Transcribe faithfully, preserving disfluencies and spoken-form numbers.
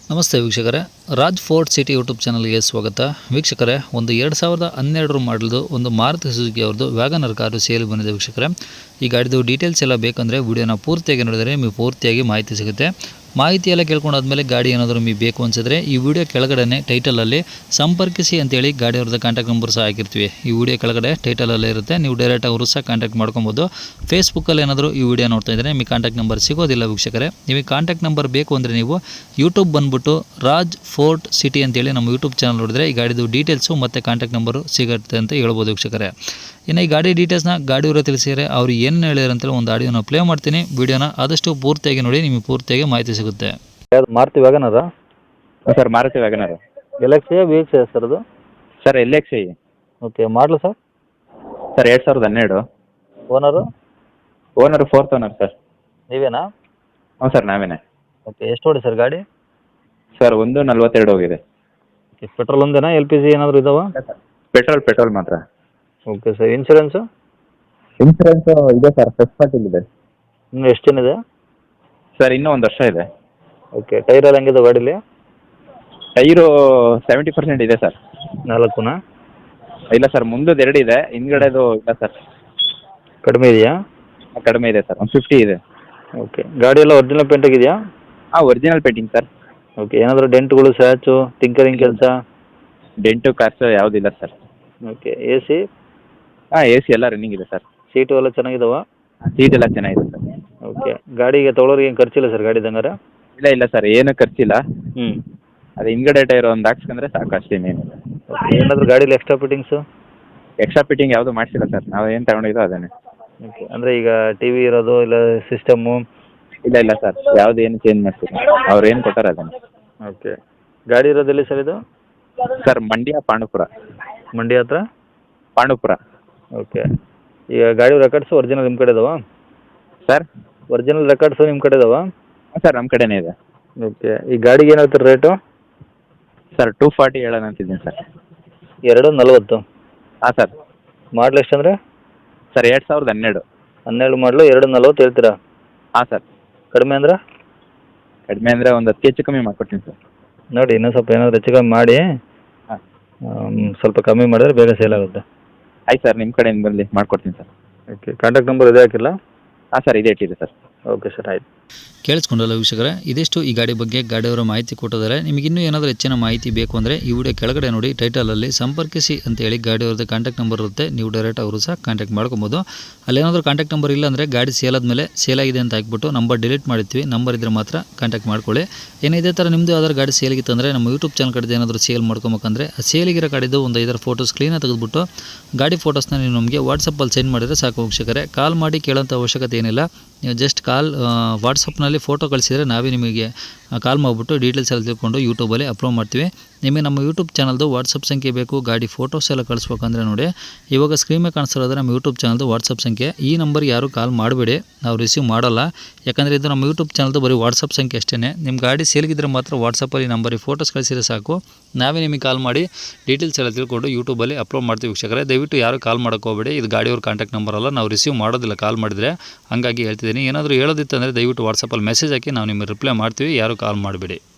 ನಮಸ್ತೆ ವೀಕ್ಷಕರೇ, Raj fort city YouTube ಚಾನಲ್ಗೆ ಸ್ವಾಗತ. ವೀಕ್ಷಕರೇ, ಒಂದು ಎರಡು ಸಾವಿರದ ಹನ್ನೆರಡರ ಮಾಡಲ್ದು ಒಂದು ಮಾರುತಿ ಸುಜುಕಿ ಅವ್ರದ್ದು ವ್ಯಾಗನರ್ ಕಾರು ಸೇಲ್ ಬಂದಿದೆ. ವೀಕ್ಷಕರೇ, ಈ ಗಾಡಿದು ಡೀಟೇಲ್ಸ್ ಎಲ್ಲ ಬೇಕಂದರೆ ವಿಡಿಯೋನ ಪೂರ್ತಿಯಾಗಿ ನೋಡಿದರೆ ನಿಮಗೆ ಪೂರ್ತಿಯಾಗಿ ಮಾಹಿತಿ ಸಿಗುತ್ತೆ. ಮಾಹಿತಿ ಎಲ್ಲ ಕೇಳ್ಕೊಂಡಾದ್ಮೇಲೆ ಗಾಡಿ ಏನಾದರೂ ನಿಮಗೆ ಬೇಕು ಅನಿಸಿದ್ರೆ ಈ ವಿಡಿಯೋ ಕೆಳಗಡೆ ಟೈಟಲಲ್ಲಿ ಸಂಪರ್ಕಿಸಿ ಅಂತೇಳಿ ಗಾಡಿ ಅವ್ರದ್ದು ಕಾಂಟ್ಯಾಕ್ಟ್ ನಂಬರ್ ಸಹ ಹಾಕಿರ್ತೀವಿ. ಈ ವಿಡಿಯೋ ಕೆಳಗಡೆ ಟೈಟಲಲ್ಲೇ ಇರುತ್ತೆ, ನೀವು ಡೈರೆಕ್ಟ್ ಅವರು ಸಹ ಕಾಂಟ್ಯಾಕ್ಟ್ ಮಾಡ್ಕೊಬೋದು. ಫೇಸ್ಬುಕ್ಕಲ್ಲಿ ಏನಾದರೂ ಈ ವಿಡಿಯೋ ನೋಡ್ತಾ ಇದ್ದರೆ ನಿಮಗೆ ಕಾಂಟ್ಯಾಕ್ಟ್ ನಂಬರ್ ಸಿಗೋದಿಲ್ಲ. ವೀಕ್ಷಕರೇ, ನಿಮಗೆ ಕಾಂಟ್ಯಾಕ್ಟ್ ನಂಬರ್ ಬೇಕು ಅಂದರೆ ನೀವು ಯೂಟ್ಯೂಬ್ ಬಂದುಬಿಟ್ಟು ರಾಜ್ ಫೋರ್ಟ್ ಸಿಟಿ ಅಂತೇಳಿ ನಮ್ಮ ಯೂಟ್ಯೂಬ್ ಚಾನಲ್ ನೋಡಿದ್ರೆ ಈ ಗಾಡಿದು ಡೀಟೇಲ್ಸು ಮತ್ತು ಕಾಂಟ್ಯಾಕ್ಟ್ ನಂಬರು ಸಿಗುತ್ತೆ ಅಂತ ಹೇಳ್ಬೋದು. ವೀಕ್ಷಕರೇ, ಇನ್ನು ಈ ಗಾಡಿ ಡೀಟೇಲ್ಸ್ನ ಗಾಡಿಯವರು ತಿಳಿಸಿದರೆ ಅವ್ರು ಏನು ಹೇಳಿದ್ರು ಅಂತೇಳಿ ಒಂದು ಆಡಿಯೋನ ಪ್ಲೇ ಮಾಡ್ತೀನಿ. ವಿಡಿಯೋನ ಆದಷ್ಟು ಪೂರ್ತಿಯಾಗಿ ನೋಡಿ, ನಿಮಗೆ ಪೂರ್ತಿಯಾಗಿ ಮಾಹಿತಿ ಸಿಗುತ್ತೆ. Maruti Wagon R sir Maruti Wagon R L X I V X I sir ಅದು? Sir L X I. Okay, ಮಾಡಲು ಸರ್? ಸರ್ ಎರಡು ಸಾವಿರದ ಹನ್ನೆರಡು. Owner? Owner fourth owner sir. ನೀವೇನಾ? ಹ್ಞೂ ಸರ್ ನಾವೇನೆ. ಓಕೆ, ಎಷ್ಟು ಓಡಿ ಸರ್ ಗಾಡಿ? ಸರ್ ಒಂದು ನಲ್ವತ್ತೆರಡು ಹೋಗಿದೆ. ಓಕೆ, ಪೆಟ್ರೋಲ್ ಒಂದೇನಾ, ಎಲ್ ಪಿ ಜಿ ಏನಾದರೂ ಇದಾವ? ಪೆಟ್ರೋಲ್ ಪೆಟ್ರೋಲ್ ಮಾತ್ರ. Okay sir, insurance? ಇನ್ಸೂರೆನ್ಸು ಇದೆ ಸರ್, ಫಸ್ಟ್ ಪಾರ್ಟಿಲ್ ಇದೆ. ಇನ್ನು ಎಷ್ಟು ದಿನ ಇದೆ? ಸರ್ ಇನ್ನೂ ಒಂದು ವರ್ಷ ಇದೆ. ಓಕೆ, ಟೈರ್ ಎಲ್ಲ ಹೆಂಗಿದೆ ಗಾಡೀಲಿ? ಟೈರು ಸೆವೆಂಟಿ ಪರ್ಸೆಂಟ್ ಇದೆ ಸರ್. ನಾಲ್ಕುನಾ? ಇಲ್ಲ ಸರ್, ಮುಂದದ್ದು ಎರಡು ಇದೆ, ಹಿಂದ್ಗಡೆದು ಇಲ್ಲ ಸರ್. ಕಡಿಮೆ ಇದೆಯಾ? ಕಡಿಮೆ ಇದೆ ಸರ್, ಒಂದು ಫಿಫ್ಟಿ ಇದೆ. ಓಕೆ, ಗಾಡಿ ಎಲ್ಲ ಒರಿಜಿನಲ್ ಪೇಂಟ್ ಆಗಿದೆಯಾ? ಹಾಂ, ಒರಿಜಿನಲ್ ಪೇಂಟಿಂಗ್ ಸರ್. ಓಕೆ, ಏನಾದರೂ ಡೆಂಟ್ಗಳು, ಸ್ಯಾಚು, ಟಿಂಕರಿಂಗ್ ಕೆಲಸ? ಡೆಂಟು ಕಾರ್ಸು ಯಾವುದಿಲ್ಲ ಸರ್. Okay, A C? ಹಾಂ, ಎ ಸಿ ಎಲ್ಲ ರನ್ನಿಂಗ್ ಇದೆ ಸರ್. ಸೀಟು ಎಲ್ಲ ಚೆನ್ನಾಗಿದಾವ? ಸೀಟ್ ಎಲ್ಲ ಚೆನ್ನಾಗಿದೆ ಸರ್. ಓಕೆ, ಗಾಡಿಗೆ ತೊಗೊಳೋರಿಗೆ ಏನು ಖರ್ಚಿಲ್ಲ ಸರ್ ಗಾಡಿ ದಂಗಾರ? ಇಲ್ಲ ಇಲ್ಲ ಸರ್, ಏನು ಖರ್ಚಿಲ್ಲ. ಹ್ಞೂ, ಅದು ಹಿಂದ್ಗಡೆ ಟೈರ್ ಒಂದು ಹಾಕ್ಸ್ಕೊಂಡ್ರೆ ಸಾಕು, ಅಷ್ಟೇನೇನಿಲ್ಲ. ಓಕೆ, ಏನಾದರೂ ಗಾಡೀಲಿ ಎಕ್ಸ್ಟ್ರಾ ಫಿಟ್ಟಿಂಗ್ಸು? ಎಕ್ಸ್ಟ್ರಾ ಫಿಟ್ಟಿಂಗ್ ಯಾವುದು ಮಾಡಿಸಿಲ್ಲ ಸರ್, ನಾವು ಏನು ತಗೊಂಡಿದ್ದೋ ಅದನ್ನೇ. ಓಕೆ, ಅಂದರೆ ಈಗ ಟಿ ವಿ ಇರೋದು ಇಲ್ಲ ಸಿಸ್ಟಮು? ಇಲ್ಲ ಇಲ್ಲ ಸರ್, ಯಾವುದು ಏನು ಚೇಂಜ್ ಮಾಡ್ತಿಲ್ಲ, ಅವ್ರು ಏನು ಕೊಟ್ಟಾರೆ ಅದನ್ನೇ. ಓಕೆ, ಗಾಡಿ ಇರೋದೆಲ್ಲಿ ಸರ್ ಇದು? ಸರ್ ಮಂಡ್ಯ ಪಾಂಡುಪುರ. ಮಂಡ್ಯ ಹತ್ರ? ಪಾಂಡುಪುರ. ಓಕೆ, ಈಗ ಗಾಡಿ ರೆಕಾರ್ಡ್ಸು ಒರಿಜಿನಲ್ ನಿಮ್ಮ ಕಡೆ ಇದಾವಾ? ಸರ್ ಒರಿಜಿನಲ್ ರೆಕಾರ್ಡ್ಸು ನಿಮ್ಮ ಕಡೆ ಇದಾವಾ? ಹಾಂ ಸರ್, ನಮ್ಮ ಕಡೆನೇ ಇದೆ. ಓಕೆ, ಈ ಗಾಡಿಗೆ ಏನು ಹೇಳ್ತೀರಿ ರೇಟು? ಸರ್ ಟೂ ಫಾರ್ಟಿ ಹೇಳೋಣ ಅಂತಿದ್ದೀನಿ ಸರ್. ಎರಡು ನಲ್ವತ್ತು? ಹಾಂ ಸರ್. ಮಾಡಲ್ ಎಷ್ಟು ಅಂದರೆ? ಸರ್ ಎರಡು ಸಾವಿರದ ಹನ್ನೆರಡು. ಹನ್ನೆರಡು ಮಾಡಲು ಎರಡು ನಲ್ವತ್ತು ಹೇಳ್ತೀರಾ? ಹಾಂ ಸರ್. ಕಡಿಮೆ ಅಂದ್ರೆ? ಕಡಿಮೆ ಅಂದರೆ ಒಂದು ಹತ್ತು ಹೆಚ್ಚು ಕಮ್ಮಿ ಮಾಡ್ಕೊಡ್ತೀನಿ ಸರ್. ನೋಡಿ, ಇನ್ನೂ ಸ್ವಲ್ಪ ಏನಾದರೂ ಹೆಚ್ಚು ಕಮ್ಮಿ ಮಾಡಿ. ಹಾಂ, ಸ್ವಲ್ಪ ಕಮ್ಮಿ ಮಾಡಿದ್ರೆ ಬೇಗ ಸೇಲ್ ಆಗುತ್ತೆ. ಆಯ್ತು ಸರ್, ನಿಮ್ಮ ಕಡೆಯಿಂದ ಬರಲಿ ಮಾಡ್ಕೊಡ್ತೀನಿ ಸರ್. ಓಕೆ, ಕಾಂಟ್ಯಾಕ್ಟ್ ನಂಬರ್ ಇದೇ ಹಾಕಿಲ್ಲ? ಹಾಂ ಸರ್, ಇದೇ ಇಟ್ಟಿದೆ ಸರ್. ಓಕೆ ಸರ್, ಆಯ್ತು. ಕೇಳಿಸ್ಕೊಂಡಲ್ಲ ವೀಕ್ಷಕರೇ, ಇದಿಷ್ಟು ಈ ಗಾಡಿ ಬಗ್ಗೆ ಗಾಡಿಯವರ ಮಾಹಿತಿ ಕೊಟ್ಟಿದ್ದಾರೆ. ನಿಮಗೆ ಇನ್ನೂ ಏನಾದರೂ ಹೆಚ್ಚಿನ ಮಾಹಿತಿ ಬೇಕು ಅಂದರೆ ಈ ವಿಡಿಯೋ ಕೆಳಗಡೆ ನೋಡಿ ಟೈಟಲಲ್ಲಿ ಸಂಪರ್ಕಿಸಿ ಅಂತೇಳಿ ಗಾಡಿಯವ್ರದ್ದು ಕಾಂಟ್ಯಾಕ್ಟ್ ನಂಬರ್ ಇರುತ್ತೆ, ನೀವು ಡೈರೆಕ್ಟ್ ಅವರು ಸಹ ಕಾಂಟ್ಯಾಕ್ಟ್ ಮಾಡ್ಕೊಬೋದು. ಅಲ್ಲೇನಾದರೂ ಕಾಂಟ್ಯಾಕ್ಟ್ ನಂಬರ್ ಇಲ್ಲ ಅಂದರೆ ಗಾಡಿ ಸೇಲ್ ಆದಮೇಲೆ ಸೇಲ್ ಆಗಿದೆ ಅಂತ ಹಾಕ್ಬಿಟ್ಟು ನಂಬರ್ ಡಿಲೀಟ್ ಮಾಡಿರ್ತೀವಿ, ನಂಬರ್ ಇದ್ದರೆ ಮಾತ್ರ ಕಾಂಟ್ಯಾಕ್ಟ್ ಮಾಡ್ಕೊಳ್ಳಿ. ಏನೇ ಇದೇ ಥರ ನಿಮ್ಮದು ಯಾವ್ದಾದ್ರು ಗಾಡಿ ಸೇಲಿಗಿತ್ತು ಅಂದರೆ ನಮ್ಮ ಯೂಟ್ಯೂಬ್ ಚಾನಲ್ ಕಡೆ ಏನಾದರೂ ಸೇಲ್ ಮಾಡ್ಕೊಬೇಕಂದ್ರೆ ಆ ಸೇಲಿಗಿರೋ ಗಾಡಿದು ಒಂದು ಐದರ ಫೋಟೋಸ್ ಕ್ಲೀನಾಗಿ ತೆಗೆದುಬಿಟ್ಟು ಗಾಡಿ ಫೋಟೋಸ್ನ ನೀವು ನಮಗೆ ವಾಟ್ಸಪ್ಪಲ್ಲಿ ಸೆಂಡ್ ಮಾಡಿದರೆ ಸಾಕು ವೀಕ್ಷಕರೇ. ಕಾಲ್ ಮಾಡಿ ಕೇಳೋಂಥ ಅವಶ್ಯಕತೆ ಏನಿಲ್ಲ, ನೀವು ಜಸ್ಟ್ ಕಾಲ್ ವಾಟ್ಸಪ್ನಲ್ಲಿ ಫೋಟೋ ಕಳಿಸಿದರೆ ನಾವೇ ನಿಮಗೆ ಕಾಲ್ ಮಾಡಿಬಿಟ್ಟು ಡೀಟೇಲ್ಸ್ ಎಲ್ಲ ತಿಳ್ಕೊಂಡು ಯೂಟ್ಯೂಬಲ್ಲಿ ಅಪ್ಲೋಡ್ ಮಾಡ್ತೀವಿ. ನಿಮಗೆ ನಮ್ಮ ಯೂಟ್ಯೂಬ್ ಚಾನಲ್ದು ವಾಟ್ಸಪ್ ಸಂಖ್ಯೆ ಬೇಕು, ಗಾಡಿ ಫೋಟೋಸ್ ಎಲ್ಲ ಕಳಿಸ್ಬೇಕಂದ್ರೆ ನೋಡಿ ಇವಾಗ ಸ್ಕ್ರೀನ್ ಮೇಲೆ ಕಾಣಿಸ್ತಿರೋದ್ರೆ ನಮ್ಮ ಯೂಟ್ಯೂಬ್ ಚಾನಲ್ದು ವಾಟ್ಸಪ್ ಸಂಖ್ಯೆ. ಈ ನಂಬರ್ಗೆ ಯಾರು ಕಾಲ್ ಮಾಡಬೇಡಿ, ನಾವು ರಿಸೀವ್ ಮಾಡೋಲ್ಲ. ಯಾಕಂದರೆ ಇದು ನಮ್ಮ ಯೂಟ್ಯೂಬ್ ಚಾನಲ್ದು ಬರೀ ವಾಟ್ಸಪ್ ಸಂಖ್ಯೆ ಅಷ್ಟೇ. ನಿಮ್ಮ ಗಾಡಿ ಸೇಲ್ಗಿದ್ರೆ ಮಾತ್ರ ವಾಟ್ಸಪ್ಪಲ್ಲಿ ನಂಬರಿಗೆ ಫೋಟೋಸ್ ಕಳಿಸಿದ್ರೆ ಸಾಕು, ನಾವೇ ನಿಮಗೆ ಕಾಲ್ ಮಾಡಿ ಡೀಟೇಲ್ಸ್ ಎಲ್ಲ ತಿಳ್ಕೊಂಡು ಯೂಟ್ಯೂಬಲ್ಲಿ ಅಪ್ಲೋಡ್ ಮಾಡ್ತೀವಿ ವೀಕ್ಷಕರೇ. ದಯವಿಟ್ಟು ಯಾರು ಕಾಲ್ ಮಾಡೋಕ್ಕೆ ಹೋಗಬೇಡಿ, ಇದು ಗಾಡಿಯವ್ರ ಕಾಂಟ್ಯಾಕ್ಟ್ ನಂಬರ್ ಅಲ್ಲ, ನಾವು ರಿಸೀವ್ ಮಾಡೋದಿಲ್ಲ ಕಾಲ್ ಮಾಡಿದರೆ, ಹಾಗಾಗಿ ಹೇಳ್ತಿದ್ದೀನಿ. ಏನಾದರೂ ಹೇಳೋದಿತ್ತು ಅಂದರೆ ದಯವಿಟ್ಟು ವಾಟ್ಸಪ್ಪಲ್ಲಿ ಮೆಸೇಜ್ ಹಾಕಿ ನಾವು ನಿಮಗೆ ರಿಪ್ಲೈ ಮಾಡ್ತೀವಿ, ಯಾರು ಕಾಲ್ ಮಾಡಬೇಡಿ.